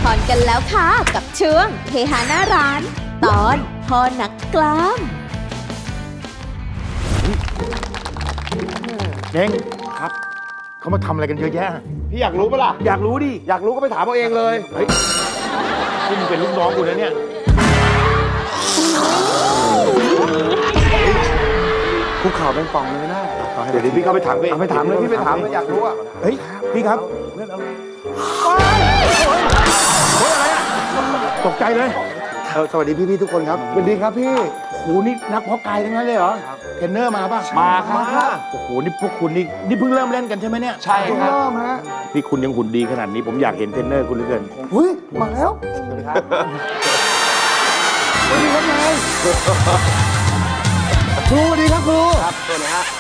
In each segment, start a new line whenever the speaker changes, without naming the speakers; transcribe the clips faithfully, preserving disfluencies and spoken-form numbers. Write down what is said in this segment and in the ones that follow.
รกันแล้วค่ะกับช่วงเฮฮาหน้าร้าน ตอนพ่อนักกล้าม
เน่งครับเขามาทำอะไรกันเยอะแยะ
พี่อยากรู้ปะล่ะ
อยากรู้ดิ
อยากรู้ก็ไปถามเอาเองเลย
เฮ้ยนี่มึงเป็นลูกน้องกูนะเนี่ยคุกเข่าเป็นป่องเลยนะ
เดี๋ยวพี่เข้าไปถามเอง
เอาไปถามเลย
พี่ไปถามเลยอยากรู้อ่ะ
เฮ้ยพี่ครับเฮ้ยอะไรอะตกใจเลย
เออสวัสดีพี่ๆทุกคนครับสวัสดีครับพี่
โอ้โหนี่นักเพาะกายทั้งนั้นเลยเหรอเทรนเนอร์มาป่ะ
มาครับ
โอ้โหนี่พวกคุณนี่นี่เพิ่งเริ่มเล่นกันใช่ไหมเนี่ย
ใช่ครับ
เริ่มฮะ
นี่คุณยังหุ่นดีขนาดนี้ผมอยากเห็นเทรนเนอร์คุณเหลือเกิน
เฮ้ย มาแล้ว
สวัสดีครับ
สวัสดีครับนายครูสวัสดีครับครู
ครับสวัสดีฮะ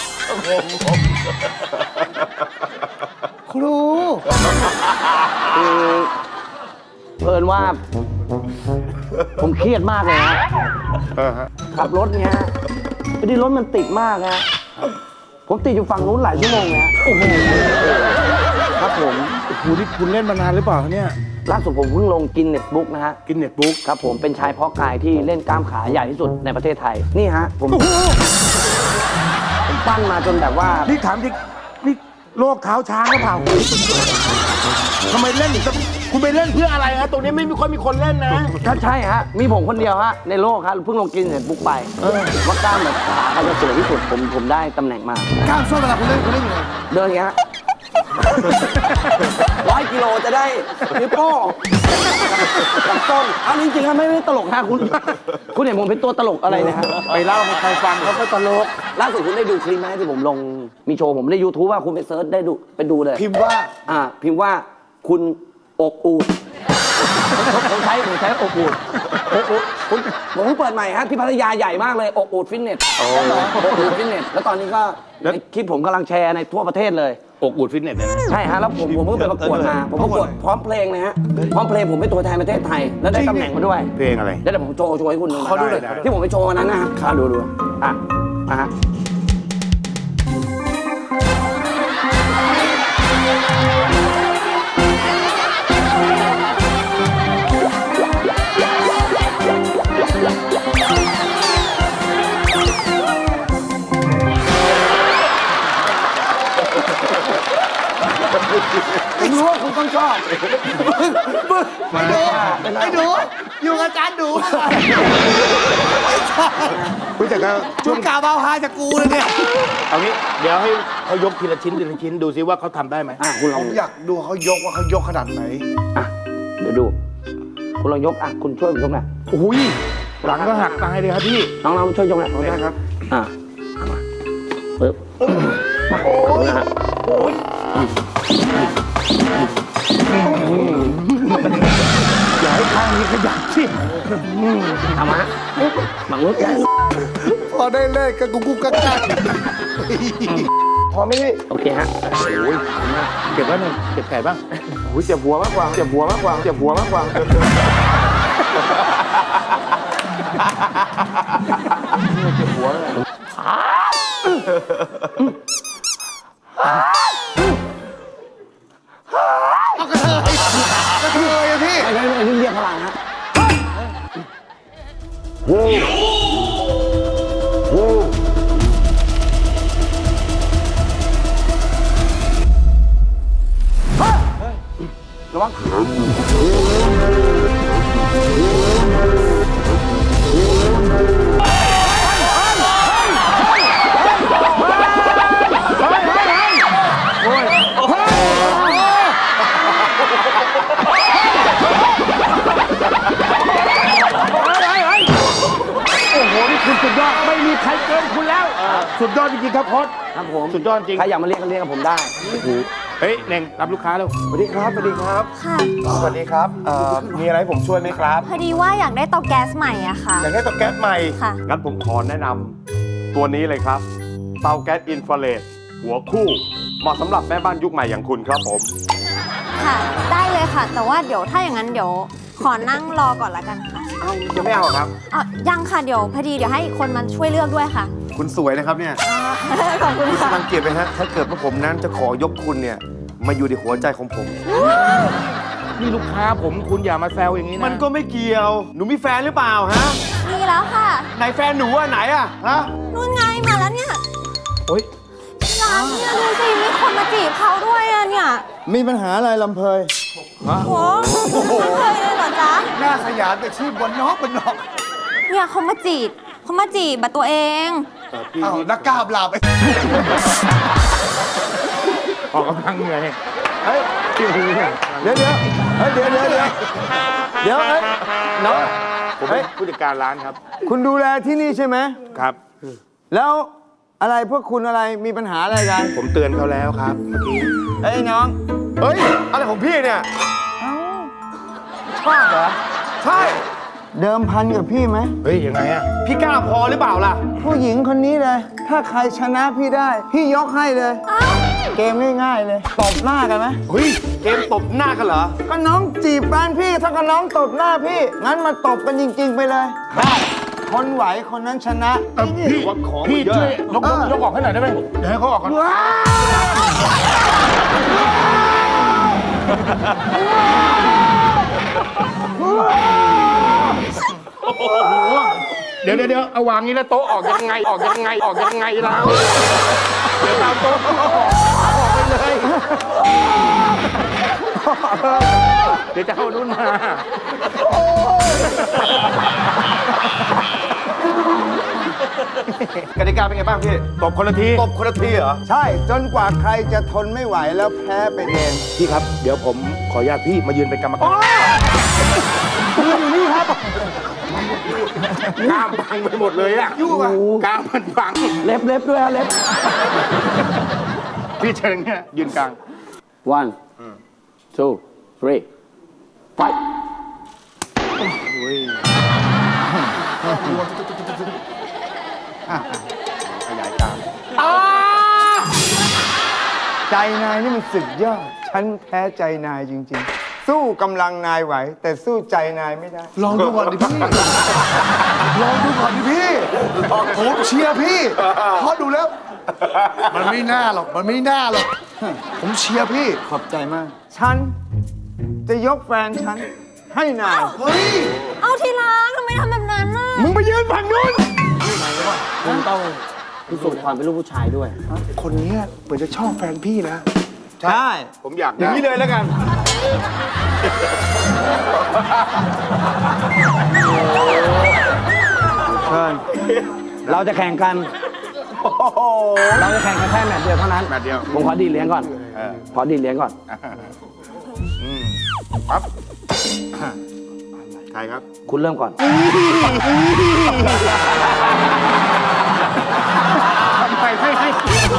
ครู
คือเพิ่นว่า ผมเครียดมากเลยนะ
เออฮะ
ขับรถเนี้ยพอดีรถมันติดมากนะผมติดอยู่ฝั่งนู้นหลายชั่วโมงนะโอ้โหครับผม
โอ้โหนี่คุณเล่นมานานหรือเปล่าเนี่ย
ล่าสุดผมเพิ่งลงกินเน็ตบุ๊กนะฮะ
กินเน็ตบุ๊ก
ครับผมเป็นชายเพาะกายที่เล่นกล้ามขาใหญ่ที่สุดในประเทศไทยนี่ฮะผมผมปั้นมาจนแบบว่า
นี่ถามจริงนี่โรคเท้าช้างหรือเปล่าทำไมเล่นถึงจะคุณไปเล่นเพื่ออะไรฮะตรงนี้ไม่มีคนมีคนเล่นนะ
ถ้าใช่ฮะมีผมคนเดียวฮะในโลกฮะเพิ่งลงกินเน็ตบุ๊กไปว่ากล้ามแบบขาเขาจะสวยที่สุดผมผมได้ตำแหน่งมา
กล้ามส้นเวลาคุณเล่นคุณเล่นยังไง
เดินอย่างเงี้ย ร้อยกิโลจะได้นิ้วโป้งกับต้นเอาจริงๆครับไม่ไม่ตลกฮะคุณ คุณเห็นผมเป็นตัวตลกอะไรนะฮะ
ไปเล่าให้ใครฟังเขาก็ตลก
ล่าสุดคุณได้ดูคลิปไหมที่ผมลงมีโชว์ผมใน ยูทูบ ว่าคุณไปเซิร์ชได้ดูไปดูเลย
พิมพ์ว่า
อ่า พิมพ์ว่าคุณอกอูดผมผมใช้ผมใช้อกอูดอกอูดผมผมเพิ่งเปิดใหม่ฮะที่พัทยาใหญ่มากเลยอกอูดฟิตเนสอกอูดฟิตเนสแล้วตอนนี้ก็
แล้ว
ในคลิปผมกำลังแชร์ในทั่วประเทศเลย
อกอูดฟิตเนสเนี่ยนะ
ใช่ฮะแล้วผมผมเพิ่งไปประกวดมาผมประกวดพร้อมเพลงนะฮะพร้อมเพลงผมเป็นตัวแทนประเทศไทยแล้วได้ตำแหน่งมาด้วย
เพลงอะไร
แล้วเดี๋ยวผมโชว์โชว์ให้คุณดู
เขาดูหน่อย
ที่ผมไปโชว์วันนั้นนะฮะอ่ะดูดูอ่ะอ่ะฮะผมรู้ว่าคุณต้องชอบ
ไอ้ดูไอ้ดูอยู่กับอาจารย์ดู
คุณแต่ก็
ชุดกาวเบาฮาจากกูเลยเนี่ย
เอางี้เดี๋ยวให้เขายกทีละชิ้นทีละชิ้นดูซิว่าเขาทำได้ไหม
อ่ะคุณล
ผ
อง
มอยากดูเขายกว่าเขายกขนาดไหน
อ่ะเดี๋ยวดู คุณลองยกอ่ะคุณช่วยผมยกหน่อย
โอ้ยหลังก็หักตายเลยครับพี่
น้องๆช่วยยกหน่อย
ได้ครับ
อ่ะเอามาปึ๊บมานะฮะ
อย่าให้ข้างนี้ขยับสิ
เอามาหมังลุกได้
พอได้เลขก็กุ๊กกุ๊กกักกัก
พอไหมพี่
โอเคฮะ
เก็บไว้หน่อยเก็บไก่บ้าง
โอ้ยเจ็บหัวมากกว่าเจ็บหัวมากกว่าเจ็บหัวมากกว่า เจ็บหัวเลย
เอากระเทยกระเทยอะพี่
ไม่ไม่ไม่นี่เรียกพลังฮะระวังโอ้โห นี่คุณสุดยอด ไม่มีใครเกินคุณแล้ว
สุดยอดจริงๆครับพอด
ครับผม
สุดยอดจริง
ใครอยากมาเรียกก็เรียกกับผมได้
เฮ้ยเน่งรับลูกค้าแล้ว
สวัสดีครับสวัสดีครับ
ค่ะ
สวัสดีครับเอ่อมีอะไรให้ผมช่วยไหมครับ
พอดีว่าอยากได้เตาแก๊สใหม่อะค่ะ
อยากได้เตาแก๊สใหม่
ค่ะ
งั้นผมขอแนะนำตัวนี้เลยครับ เตาแก๊สอินฟราเรดหัวคู่ เหมาะสำหรับแม่บ้านยุคใหม่อย่างคุณครับผม
ค่ะ ได้เลยค่ะ แต่ว่าเดี๋ยวถ้าอย่างนั้นเดี๋ยวขอนั่งรอก่อนละกันค่ะ
เอ้าจะไม่เอาเหรอครับ
อ๋อยังค่ะ เดี๋ยวพอดีเดี๋ยวให้อีกคนมาช่วยเลือกด้วยค่ะ
คุณสวยนะครับเนี่ย
อ๋อ ขอบคุณค่ะ
สังเกตไหมฮะ ถ้าเกิดว่าผมนั้นจะขอยกคุณเนี่ย มาอยู่ในหัวใจของผม
นี่ลูกค้าผมคุณอย่ามาแซวอย่างนี้นะ
มันก็ไม่เกี่ยว หนูมีแฟนหรือเปล่าฮะ
มีแล้วค่ะ
ไหนแฟนหนูอะไหนอะฮะ
นู่นไงมาแล้วเนี่ย
โอ๊ย
ที่ร้านเนี่ยดูสิมีคนมาจีบเขาด้วยอะเนี่ย
มีปัญหาอะไรลำเพย
โอ้โหไม่เคยเลยเหรอจ๊ะ
หน้าสยามแต่ชื่อบนนอกบนนอก
เนี่ยเขามาจีบเขามาจีบบัตัวเอง
อ้าวนักกล้าบลาไป
ออกกำลังเหนื่อย
เฮ้ยเดี๋ยวเดี๋ยวเฮ้ยเดี๋ยวเดี๋ยวเดี๋ยวเดี๋ยวเฮ้ยน้อง
ผมเป็นผู้จัดการร้านครับ
คุณดูแลที่นี่ใช่ไหม
ครับ
แล้วอะไรพวกคุณอะไรมีปัญหาอะไรกัน
ผมเตือนเขาแล้วครับเมื่อกี้
เอ้ยน้อง
เฮ้ย อะไรของพี่เนี่ย
ชอบเหรอ
ใช่
เดิมพันกับพี่ไหม
เฮ้ยยังไงอะ
พี่กล้าพอหรือเปล่าล่ะ
ผู้หญิงคนนี้เลย ถ้าใครชนะพี่ได้ พี่ยกให้เลย เกมง่ายๆเลยตบหน้ากันไหม
เฮ้ย เกมตบหน้ากันเหรอ
ก็น้องจีบแฟนพี่ถ้าก็น้องตบหน้าพี่ งั้นมาตบกันจริง ๆ ไปเลย ได้คนไหวคนนั้นชนะ
เออพี่
ว่าของมัน
พี่
เยอะ
ช่วยยกยกยกออกให้หน่อยได้ไหมเดี๋ยวให้เขาออกก่อนโอ้โหเดี๋ยวเดี๋ยวเดี๋ยวเอาวางนี้แล้วโต๊ะออกยังไงออกยังไงออกยังไงแล้วเดี๋ยวตามโต๊ะออกไปเลยเดี๋ยวจะเอานุ่นมา
กติกาเป็นไงบ้างพี่
ตบคนละที
ตบคนละทีเหรอ
ใช่จนกว่าใครจะทนไม่ไหวแล้วแพ้ไปเอง
พี่ครับ เดี๋ยวผมขออนุญาตพี่มายืนเป็นกรรมการยืนอยู่นี่ครับกล้ามพังไปหมดเลยอะยุ่งอะกล้ามมันพัง
เล็บเล็บด้วยฮะเล็บ
พี่เชิญเนี่ยยืนกลาง
one two three fight
ขยายกลาง
ใจนายนี่มันสุดยอด ฉันแพ้ใจนายจริง ๆ สู้กำลังนายไหว แต่สู้ใจนายไม่ได้
ลองดูก่อนดิพี่ ลองดูก่อนดิพี่ ผมเชียร์พี่เพราะดูแล้ว มันไม่น่าหรอก มันไม่น่าหรอก ผมเชียร์พี่
ขอบใจมาก ฉันจะยกแฟนฉันให้นาย
เฮ้ย
เอาทีรักทำไมทำแบบนั้นน่ะ
มึงไปยืนฝั่งนู้น
คุณต้องพิสูจน์ความเป็นลูกผู้ชายด้วย
คนเนี้ยเหมือนจะชอบแฟนพี่นะ
ใช่
ผมอยาก
อย่างนี้เลยแล้วกัน
เชิญ
เราจะแข่งกัน เราจะแข่งกันแค่แมตช์เดียวเท่านั้น
แมตช์เดียว
ผมขอดีดเหรียญก่อน
เออ
ขอดีดเหรียญก่อน
อืมปั๊บใครครับ
คุณเริ่มก่อน
ทำไมไม่ให้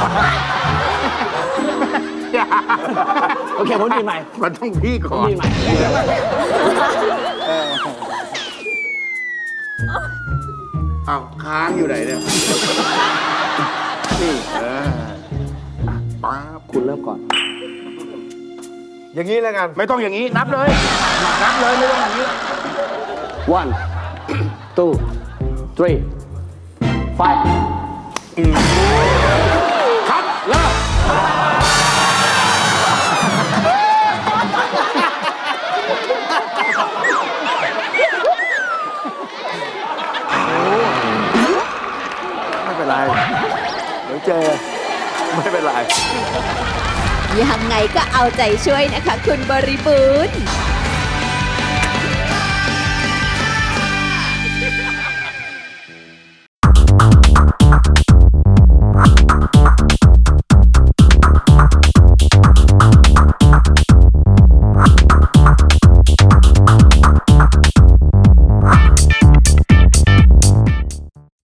โอเค ผมดีดใหม่
มันต้องพี่ก่
ผ
อ
ม
น
ดีดใหม่
เอาค้างอยู่ไหนเนี่ย นี่ เออปั๊บ
คุณเริ่มก่อน
อย่างนี้แล้วกัน
ไม่ต้องอย่างนี้ นับเลย นับเลย ไม่ต้องอย่างนี้
one two three five
ครับ เริ่ม
ไม่เป็นไร เดี๋ยวเจอ
ไม่เป็นไร
ยังไงก็เอาใจช่วยนะคะ คุณบริบูรณ์